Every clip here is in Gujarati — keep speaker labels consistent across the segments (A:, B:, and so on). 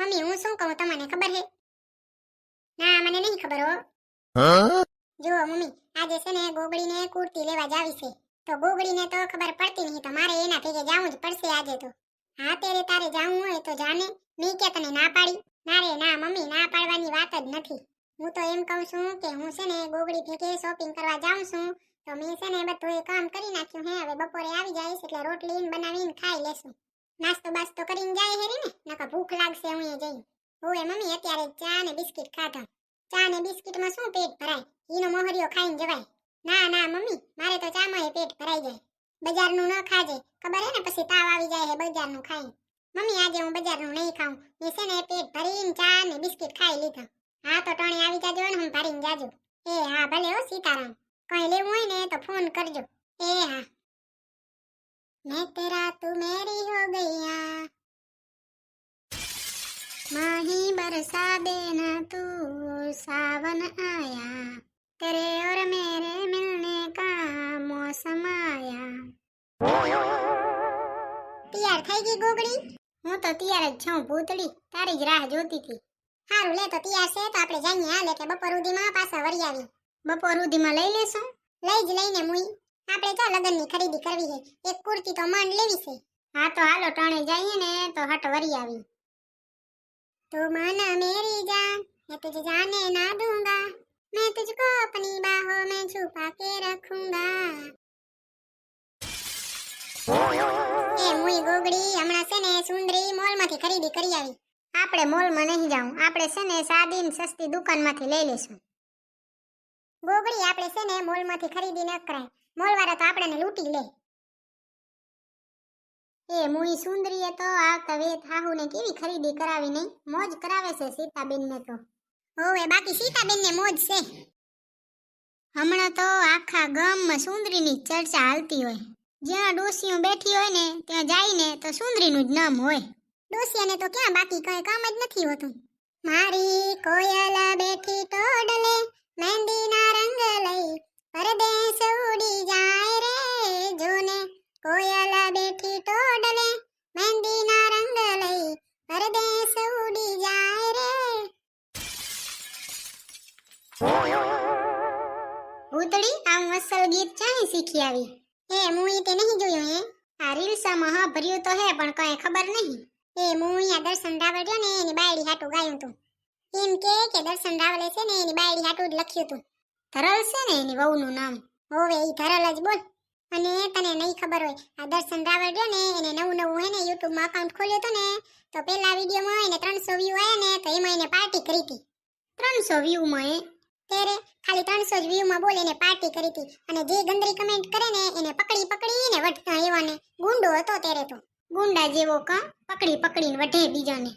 A: મમ્મી હું શું કહું તમને ખબર હે? ના મને નહીં ખબર હો. જો મમ્મી આજે છે ને ગોગડીને કુર્તી લેવા જાવી છે. તો ગોગડીને તો ખબર પડતી નહીં તો મારે એના ભેગે જાવું જ પડશે આજે તો. હા તેરે તારે જાવું હોય તો જાને. મેં કે તને ના પાડી? ના રે ના મમ્મી, ના પાડવાની વાત જ નથી. હું તો એમ કહું છું કે હું છે ને ગોગડી ભેગે શોપિંગ કરવા જાઉં છું. તો મેં છે ને બધું એ કામ કરી નાખ્યું હે. હવે બપોરે આવી જઈશ એટલે રોટલી બનાવીને ખાઈ લેશું. નાસ્તો બાસ્તો કરીને જાય હેરી ને નકર ભૂખ લાગશે હું એ જઈ. ઓય મમ્મી અત્યારે ચા ને બિસ્કિટ ખાધા. ચા ને બિસ્કિટમાં શું પેટ ભરાય? ઈનો મોહરિયો ખાઈને જવાય. ના ના મમ્મી, મારે તો ચામાં પેટ ભરાઈ જાય. બજારનું ન ખાજે, ખબર હે ને પછી તાવ આવી જાય હે બજારનું ખાઈ. મમ્મી આજે હું બજારનું નહીં ખાઉં. મેં છે ને પેટ ભરીને ચા ને બિસ્કિટ ખાઈ લીધા. હા તો ટાણે આવી જાજો ને હું ભરીને જાજો. એ હા ભલે હો સીતારામ. કઈ લેવું હોય ને તો ફોન કરજો. એ હા. मैं तेरा तू मेरी हो गया, माही बरसा देना तू सावन आया, तेरे और मेरे मिलने का मौसम आया. તૈયાર થઈ ગઈ ગોગડી? હું તો તૈયાર જ છું ભૂતડી, તારી જ રાહ જોતી હતી. હારું લે તો તૈયાર છે તો આપણે જઈએ હાલે કે બપોર સુધીમાં પાછા વળી આવી. બપોર સુધીમાં લઈ લેશું? લઈ જ લઈને મુઈ. આપણે તો લગનની ખરીદી કરવી છે. એક કુર્તી તો માંડ લેવી છે. હા તો હાલો ટાણે જઈએ ને તો હટ વરી આવી. તો માના મેરી જાન, मैं तुझे जाने ना दूंगा, मैं तुझको अपनी बाहों में छुपा के रखूंगा. એ મુઈ ગોગડી હમણાં છે ને સુંદરી મોલમાંથી ખરીદી કરી આવી. આપણે મોલમાં નહીં જાવું, આપણે છે ને સાદી ને સસ્તી દુકાનમાંથી લઈ લેશું. ગોગડી આપણે છે ને મોલમાંથી ખરીદી ન કરાય. મોલવાળા તો આપણને લૂંટી લે. એ મુઈ સુંદરીએ તો આવતા વેત હાહુને કેવી ખરીદી કરાવી નહીં, મોજ કરાવે છે સીતાબેનને તો. હોવે બાકી સીતાબેનને મોજ છે. હમણાં તો આખા ગામમાં સુંદરીની ચર્ચા હાલતી હોય. જ્યાં ડોસીઓ બેઠી હોય ને ત્યાં જઈને તો સુંદરીનું જ નામ હોય. ડોસીયાને તો ક્યાં બાકી કઈ કામ જ નથી હોતું. મારી કોયલ બેઠી ટોડલે મહેંદીના રંગ લઈ પરદેશ ઉડી જાય રે જોને. કોયલ બેઠી ટોડલે મહેંદીના રંગ લઈ પરદેશ ઉડી જાય રે. ભૂતળી આવું અસલ ગીત ચાહી શીખી આવી? એ મુઈ તે નહીં જોયું હે? આ રીલ્સમાં હા ભર્યું તો હે પણ કઈ ખબર નહીં. એ મુઈ આ દર્શન રાવળ ને એની બાયડી હાટું ગાયું તું. એમ કે દર્શન રાવલે છે ને એની બાયડી હાટું જ લખ્યું તું. ધરલ છે ને એની વહુનું નામ. હોવે ઈ ધરલ જ બોલ. અને તને નહીં ખબર હોય આ દર્શન રાવળ ને એને નવું હે ને YouTube માં અકાઉન્ટ ખોલ્યું તો ને તો પહેલા વિડિયોમાં એને 300 વ્યૂ આયા ને તો એમાં એને પાર્ટી કરી હતી. 300 વ્યૂ માં એ તેરે ખાલી 300 જ વ્યૂ માં બોલ એને પાર્ટી કરી હતી. અને જે ગંદરી કમેન્ટ કરે ને એને પકડીને વઢતા એવાને ગુંડો હતો તેરે તો. ગુંડા જેવો કા પકડીને વઢે બીજાને.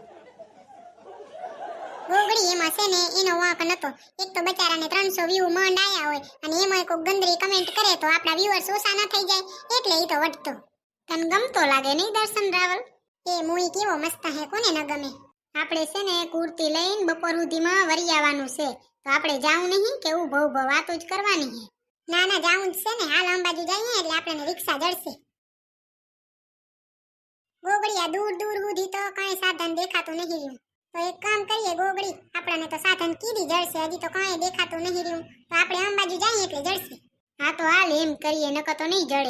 A: ગોગડી એમાં છે ને એનો વાંક નતો. એક તો બચારાને 300 વ્યૂ માંડ આયા હોય અને એમાં કોઈ ગંદરી કમેન્ટ કરે તો આપણા વ્યુઅર્સ ઓછા ન થઈ જાય એટલે ઈ તો વઢતો. તને ગમતો લાગે નહીં દર્શન રાવલ? એ મુઈ કેવો મસ્ત હે, કોને ન ગમે. આપણે છે ને કુર્તી લઈને બપોર સુધીમાં વરી આવવાનું છે. તો આપણે જાવું નહીં કે ઊભો વાતો જ કરવાની છે? ના જાવું જ છે ને. હાલ અંબાજુ જઈએ એટલે આપણને રિક્ષા જડશે. ગોગડીયા દૂર સુધી તો કઈ સાધન દેખાતું નહીં રહ્યું. તો એક કામ કરીએ ગોગડી, આપણને તો સાધન કીધી જડશે, હજી તો કઈ દેખાતું નહીં રહ્યું. તો આપણે અંબાજુ જઈએ એટલે જડશે. હા તો હાલ એમ કરીએ, નકર તો નહીં જડે.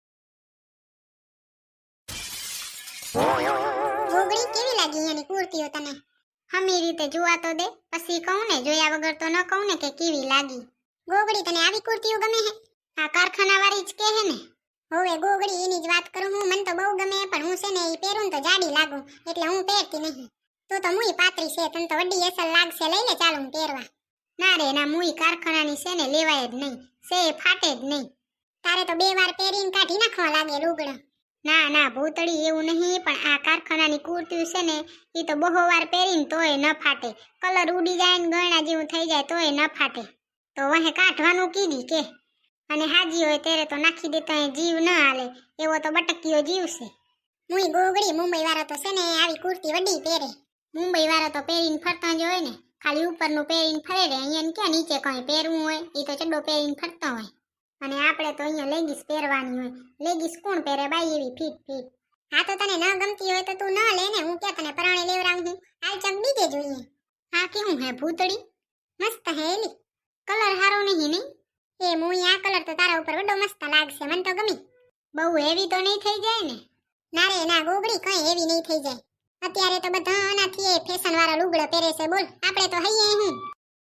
A: ગોગડી કેવી લાગી એની કુર્તીઓ તને? હમી રીતે જોવા તો દે, પછી કહું ને, જોયા વગર તો ન કહું ને કે કેવી લાગી. ગોગડી તને આવી કુર્તીઓ ગમે હે? આ કારખાના વાળી જ કે હે ને? હોવે ગોગડી એની જ વાત કરું હું. મને તો બહુ ગમે પણ હું છે ને ઈ પહેરું તો જાડી લાગુ એટલે હું પહેરતી નહીં. તું તો મુઈ પાતળી છે, તને તો વડી અસલ લાગશે, લઈ લે ચાલ હું પહેરવા. ના રે ના, મુઈ કારખાનાની છે ને લેવાય જ નહીં, છે ફાટે જ નહીં. તારે તો 2 વાર પહેરીને કાઢી નાખવા લાગે લુગડા. ના ભૂતળી એવું નહીં, પણ આ કારખાનાની કુર્તી છે ને ઈ તો બહુ વાર પહેરીને તોય ન ફાટે. કલર ઉડી જાય ને ગયણા જેવું થઈ જાય તોય ન ફાટે. તો વહે કાઢવાનું કીધી કે. અને હાજી હોય ત્યારે તો નાખી દેતા જીવ ન હાલે, એવો તો બટકીયો જીવ છે. મુઈ ગોગડી મુંબઈ વાળા તો છે ને આવી કુર્તી વડી પહેરે. મુંબઈ વાળા તો પહેરીને ફરતા જ હોય ને, ખાલી ઉપરનું પહેરીને ફરે રે. અહીંયા ક્યાં નીચે કઈ પહેરવું હોય, ઈ તો ચડ્ડો પહેરીને ફરતા હોય. અને આપણે તો અહીંયા લેગીસ પહેરવાની હોય. લેગીસ કોણ પહેરે બાઈ એવી ફીટ. હા તો તને ન ગમતી હોય તો તું ન લે ને, હું ક્યાં તને પરાણે લેવરાવું છું. કેવું હે ભૂતળી? મસ્ત હે એલી. કલર હારો નહીં નહીં. એ મુઈ આ કલર તો તારા ઉપર વડો મસ્ત લાગશે, મને તો ગમી. બહુ હેવી તો નહીં થઈ જાય ને? ના રે ના ગોગડી, કઈ હેવી નહીં થઈ જાય. અત્યારે તો બધા આનાથી ફેશન વાળા લુગડા પહેરે છે. બોલ, આપણે તો હૈયે હું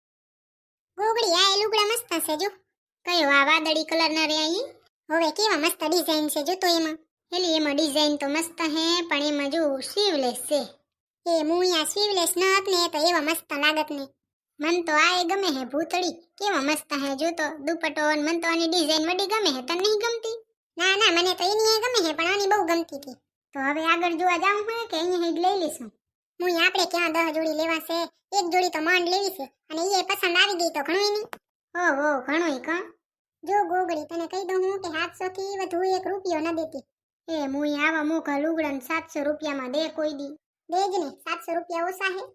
A: ગોગડી. આ એ લુગડા મસ્ત છે જો. કયો આ વાદળી કલર ના રે અહીં? હવે કેવા મસ્ત ડિઝાઇન છે જો તો એમાં. એલી એમાં ડિઝાઇન તો મસ્ત હે, પણ એમાં જો સ્લીવલેસ છે. એ મુયા સ્લીવલેસ ન હત ને તો એવા મસ્ત લાગત ને. મન તો આ એ ગમે હે ભૂતળી, કેવા મસ્ત હે જો તો દુપટ્ટો. મન તો આની ડિઝાઇન વડી ગમે હે, તને નહીં ગમતી? ના ના, મને તો એની એ ગમે હે, પણ આની બહુ ગમતી હતી. તો હવે આગળ જોવા જાઉં હોય કે અહીંયા જ લઈ લઈશું? મુઈ આપણે ક્યાં 10 જોડી લેવા છે, એક જોડી તો માંડ લેવી છે, અને એ પસંદ આવી ગઈ તો ઘણું નહીં. ઓહો ઘણું કા. જો ગોગડી, તને કહી દઉં હું કે 700 થી વધુ 1 રૂપિયો ન દેતી. એ મુઈ આવા મોઘા લુગડાને 700 રૂપિયામાં દે કોઈ દી? દેજ ને, 700 રૂપિયા ઓછા હે.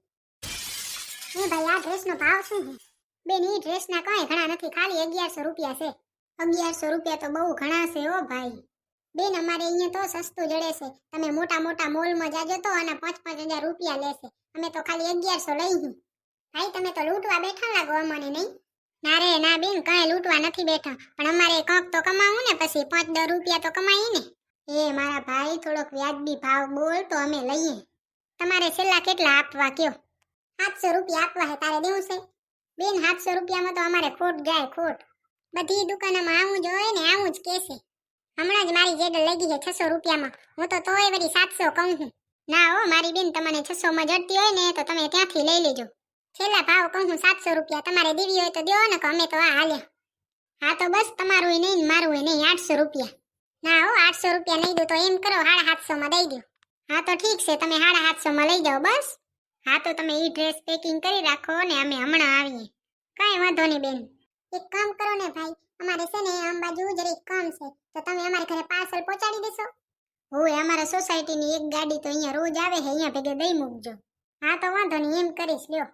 A: એ ભાઈ, આ ડ્રેસનો ભાવ શું છે? બેન, ઈ ડ્રેસના કઈ ઘણા નથી, ખાલી 1100 રૂપિયા છે. 1100 રૂપિયા તો બહુ ઘણા છે ઓ ભાઈ. બેન, અમારે અહીંયા તો સસ્તું જડે છે. તમે મોટા મોટા મોલમાં જાજો તો અને 5-5 હજાર રૂપિયા લેશે. અમે તો ખાલી 1100 લઈશું. ભાઈ, તમે તો લૂંટવા બેઠા લાગો અમને, નહીં? ના રે ના બેન, કાંઈ લૂંટવા નથી બેઠા, પણ અમારે કંઈક તો કમાવું ને, પછી 5-10 રૂપિયા તો કમાઈએ ને. એ મારા ભાઈ, થોડોક વ્યાજબી ભાવ બોલ તો અમે લઈએ. તમારે છેલ્લા કેટલા આપવા કયો? 700 રૂપિયા આપવા હે, તારે દેવું છે? બેન, 700 રૂપિયામાં તો અમારે ખોટ જાય, ખોટ. બધી દુકાનોમાં આવું જ હોય ને, આવું જ કહેશે. હમણાં જ મારી જેડ લગી છે 600 રૂપિયામાં. હું તો તોય વળી 700 કહું છું. ના હો મારી બેન, તમને 600 માં જડતી હોય ને તો તમે ત્યાંથી લઈ લેજો. છેલ્લા ભાવ કહું છું 700 રૂપિયા. તમારે દેવી હોય તો દો ને, કે અમે તો આ હાલ્યા. હા તો બસ, તમારું નહીં ને મારું નહીં, 800 રૂપિયા. ના હો, 800 રૂપિયા નહીં દો તો એમ કરો 750 માં દઈ દો. હા તો ઠીક છે, તમે 750 માં લઈ જાઓ બસ. હા તો તમે ઈ ડ્રેસ પેકિંગ કરી રાખો ને અમે હમણાં આવીએ. કાંઈ વાંધો નહીં બેન. એક કામ કરો ને ભાઈ, અમારે છે ને આમ બાજુ જરીક કામ છે, તો તમે અમારા ઘરે પાર્સલ પહોંચાડી દેશો? હોય, અમારા સોસાયટીની એક ગાડી તો અહીંયા રોજ આવે છે, અહીંયા ભેગે દઈ મૂકજો. હા તો વાંધો નહીં, એમ કરીશ લ્યો.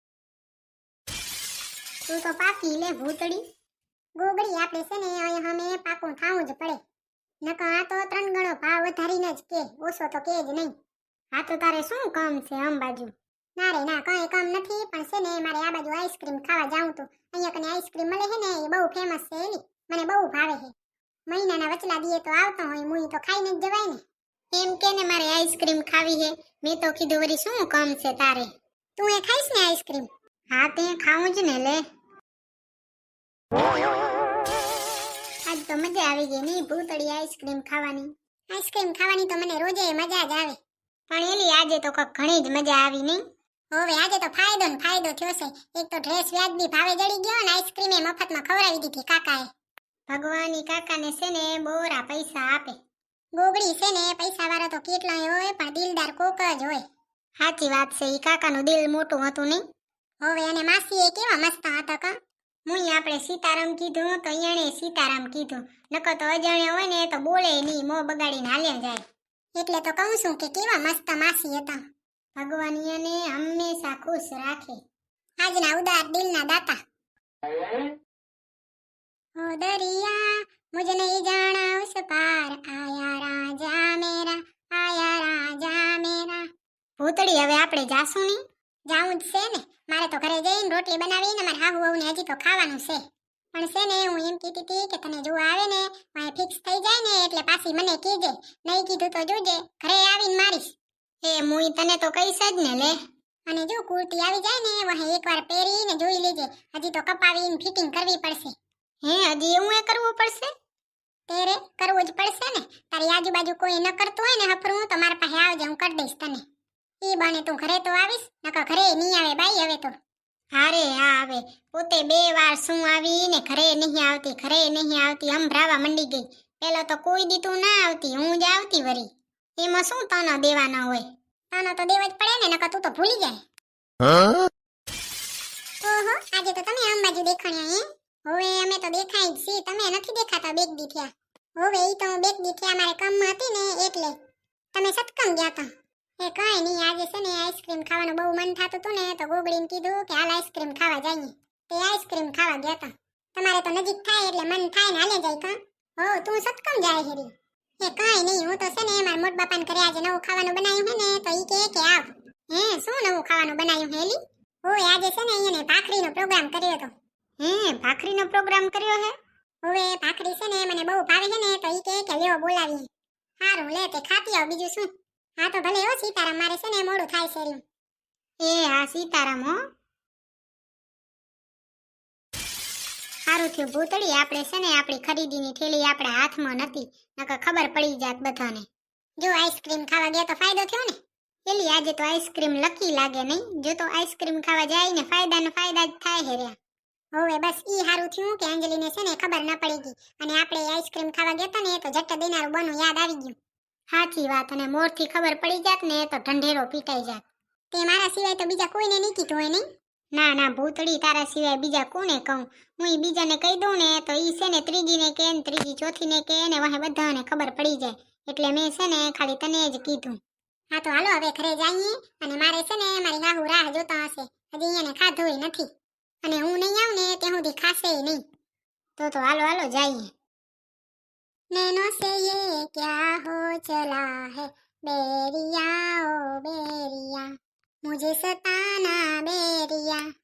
A: તું તો પાકી લે ભૂતડી. ગોગડી, આપણે છે ને અહીંયા અમે પાકું ખાવું જ પડે, નકર આ તો 3 ગણો ભાવ વધારીને જ કે, ઓછો તો કે જ નહીં. હા તો તારે શું કામ છે આમ બાજુ? ના રે ના, કઈ કામ નથી, પણ છે ને મારે આ બાજુ આઈસ્ક્રીમ ખાવા જાઉં તો. અહીંયા કને આઈસ્ક્રીમ મળે છે ને, એ બહુ ફેમસ છે એની, મને બહુ ભાવે છે. મહિનાના વચલા દીએ તો આવતો હોય, મુઈ તો ખાઈને જ જવાય ને. એમ કે ને મારે આઈસ્ક્રીમ ખાવી છે. મેં તો કીધું વળી શું કામ છે તારે? તું એ ખાઈશ ને આઈસ્ક્રીમ? હા તે ખાવું જ ને લે. આજ તો મજા આવી ગઈ નહીં ભૂતળી આઈસ્ક્રીમ ખાવાની. આઈસ્ક્રીમ ખાવાની તો મને રોજે મજા જ આવે, પણ એલી આજે તો કઈક ઘણી જ મજા આવી નહીં? હવે આજે તો ફાયદો ને ફાયદો થયો છે. એક તો ડ્રેસ વ્યાજબી ભાવે જડી ગયો, અને આઈસ્ક્રીમ એ મફતમાં ખવડાવી દીધી કાકાએ. ભગવાનની કાકાને છે ને બોરા પૈસા આપે. ગોગડી, છે ને પૈસા વાળો તો કેટલાય હોય, પણ દિલદાર કોક જ હોય. સાચી વાત છે, ઈ કાકાનું દિલ મોટું હતું નહીં? હવે અને માસીએ કેવા મસ્ત હતા કા. મુઈ આપણે સીતારામ કીધું તો એણે સીતારામ કીધું, નકર તો અજાણ્યા હોય ને તો બોલે નહીં, મોં બગાડીને હાલ્યા જાય. એટલે તો કહું છું કે કેવા મસ્ત માસી હતા. ભગવાન એને હંમેશા ખુશ રાખે. આજના ઉદાર દિલના દાતા. ઓ દરિયા મુझ નહીં જાણા ઉસ પાર, આયા રાજા મેરા, આયા રાજા મેરા. ભૂતળી, હવે આપણે જાશું નહીં? જાવું જ છે ને, મારે તો ઘરે જઈને રોટલી બનાવીને મારા હાહુ વહુને હજી તો ખાવાનું છે. પણ છે ને હું એમ કીધી હતી કે તને જો આવે ને વાય ફિક્સ થઈ જાય ને એટલે પાછી મને કીજે, નહીં કીધું તો જોજે ઘરે આવીને મારીશ. એ મુઈ તને તો કહીશ જ ને લે. અને જો કુર્તી આવી જાય ને વહે એકવાર પહેરીને જોઈ લેજે, હજી તો કપાવીને ફિટિંગ કરવી પડશે. હે, હજી એવું એ કરવું પડશે? તેરે કરવું જ પડશે ને. તારી આજુબાજુ કોઈ ન કરતું હોય ને હફરું તો મારા પાસે આવજે, હું કરી દઈશ તને. ઈ બને તું ઘરે તો આવીશ, નકર ઘરે નહીં આવે બાઈ હવે તો. હારે હા, આવે પોતે 2 વાર શું આવી ને ઘરે નહીં આવતી, ઘરે નહીં આવતી, સંભળાવા મંડી ગઈ. પેલો તો કોઈ દીતું ના આવતી, હું જ આવતી વરી. એમાં શું તનો દેવાના હોય? તનો તો દેવા જ પડે ને, નકર તું તો ભૂલી જાય. ઓહો, આજે તો તમે આમ બાજુ દેખાણ્યા હે? હવે અમે તો દેખાય જ છીએ, તમે નથી દેખાતા બેગ દી થયા. હવે ઈ તો બેગ દી થયા મારે કામમાં હતી ને એટલે. તમે સતકમ ગયા તા? એ કઈ નહીં, આજે છે ને આઈસ્ક્રીમ ખાવાનું બહુ મન થતું હતું ને તો ગોગડીને કીધું કે હાલ આઈસ્ક્રીમ ખાવા જઈએ. તે આઈસ્ક્રીમ ખાવા ગયા તા. તમારે તો નજીક થાય એટલે મન થાય ને હાલે જાય કા. હો, તું સતકમ જાય હેરી? એ કઈ નહીં, હું તો છે ને મારા મોટ બાપાને ઘરે આજે નવું ખાવાનું બનાવ્યું હે ને તો ઈ કે આવ. હે, શું નવું ખાવાનું બનાવ્યું હેલી? ઓય આજે છે ને અહીંયા ને ભાખરીનો પ્રોગ્રામ કર્યો હતો.
B: હે ભાખરીનો પ્રોગ્રામ કર્યો હે?
A: હવે ભાખરી છે ને મને બહુ ભાવે છે ને તો ઈ કે લ્યો બોલાવીએ. હારું લે તે ખાતી આવ બીજું શું. હા તો ભલે હો સીતારામ મારે છે ને મોડું થાય છે રહ્યું.
B: એ હા સીતારામ હો. સારું થયું ભૂતળી આપણે છે ને આપણી ખરીદીની થેલી આપણા હાથમાં નથી નકર ખબર પડી જાત બધાને.
A: જો આઈસ્ક્રીમ ખાવા ગયા તો ફાયદો થયો ને.
B: એલી આજે તો આઈસ્ક્રીમ લકી લાગે નહીં. જો તો આઈસ્ક્રીમ ખાવા જાય ને ફાયદા જ થાય હે રે.
A: હવે બસ ઈ હારું થયું કે અંજલિને છે ને ખબર ન પડી ગઈ અને આપણે આઈસ્ક્રીમ ખાવા ગયા તા ને તો જટ્ટ દેનારું બનું યાદ આવી ગયું.
B: સાચી વાત. અને મોરથી ખબર પડી જાત ને તો ઢંઢેરો પીટાઈ જાત.
A: તે મારા સિવાય તો બીજા કોઈને નહીં કીધું હોય નહીં.
B: ના ના ભૂતળી તારા સિવાય બીજા કોને કહું. હું ઈ બીજાને કહી દઉં ને તો ઈ છે ને ત્રીજીને કે ને ત્રીજી ચોથીને કે ને વાહે બધાને ખબર પડી જાય એટલે મેં છે ને ખાલી તને જ કીધું.
A: હા તો હાલો હવે ઘરે જઈએ અને મારે છે ને મારી ગાહુ રાહ જોતા હશે. હજી એને ખાધું નથી અને હું નહીં આવું ને ત્યાં સુધી ખાશે નહીં.
B: તો હાલો હાલો જઈએ.
A: नैनों से ये क्या हो चला है बेरिया ओ बेरिया मुझे सताना बेरिया.